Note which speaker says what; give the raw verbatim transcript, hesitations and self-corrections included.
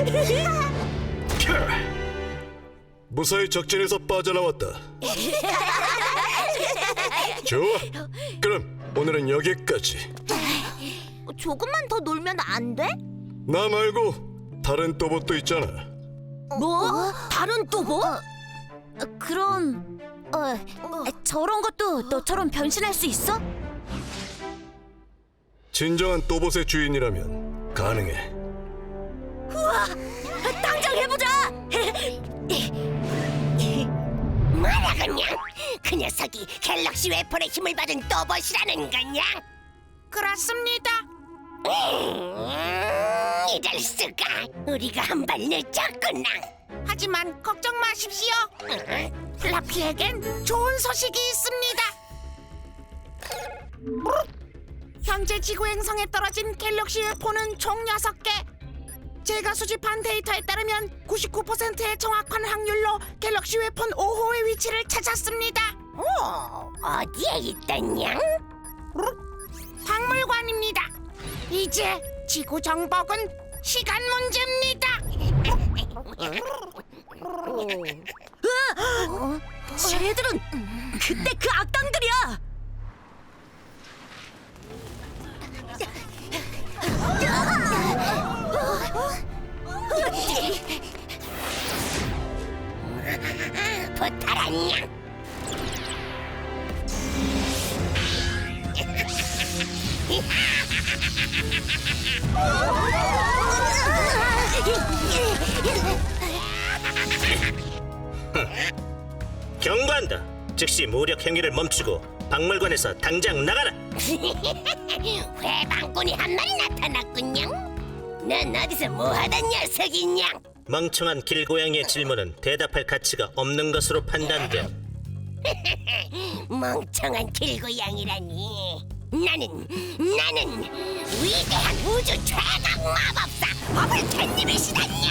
Speaker 1: 무사히 적진에서 빠져나왔다. 좋아, 그럼 오늘은 여기까지.
Speaker 2: 조금만 더 놀면 안 돼?
Speaker 1: 나 말고 다른 또봇도 있잖아.
Speaker 2: 뭐? 다른 또 뭐? 그럼 어, 저런 것도 너처럼 변신할 수 있어?
Speaker 1: 진정한 또봇의 주인이라면 가능해.
Speaker 2: 우와! 당장 해보자!
Speaker 3: 뭐라 그냥 그 녀석이 갤럭시 웨폰의 힘을 받은 또봇이라는 거냐?
Speaker 4: 그렇습니다.
Speaker 3: 음, 이럴 수가. 우리가 한 발 늦었구나.
Speaker 4: 하지만 걱정 마십시오.
Speaker 3: 응?
Speaker 4: 플라피에겐 좋은 소식이 있습니다. 현재 지구 행성에 떨어진 갤럭시 웨폰은 총 여섯 개. 제가 수집한 데이터에 따르면 구십구 퍼센트의 정확한 확률로 갤럭시 웨폰 오 호의 위치를 찾았습니다.
Speaker 3: 오, 어디에 있더냐?
Speaker 4: 박물관입니다. 이제 지구 정복은 시간 문제입니다.
Speaker 2: 쟤들은 그때 그 악당들이야!
Speaker 3: 부탁하냐?
Speaker 5: 경고한다. 즉시 무력 행위를 멈추고 박물관에서 당장 나가라.
Speaker 3: 회방꾼이 한 마리 나타났군요. 넌 어디서 뭐하던 녀석이냐?
Speaker 5: 멍청한 길고양이의 질문은 대답할 가치가 없는 것으로 판단돼.
Speaker 3: 멍청한 길고양이라니. 나는 나는 위대한 우주 최강 마법사 버블 캣님이시다냐.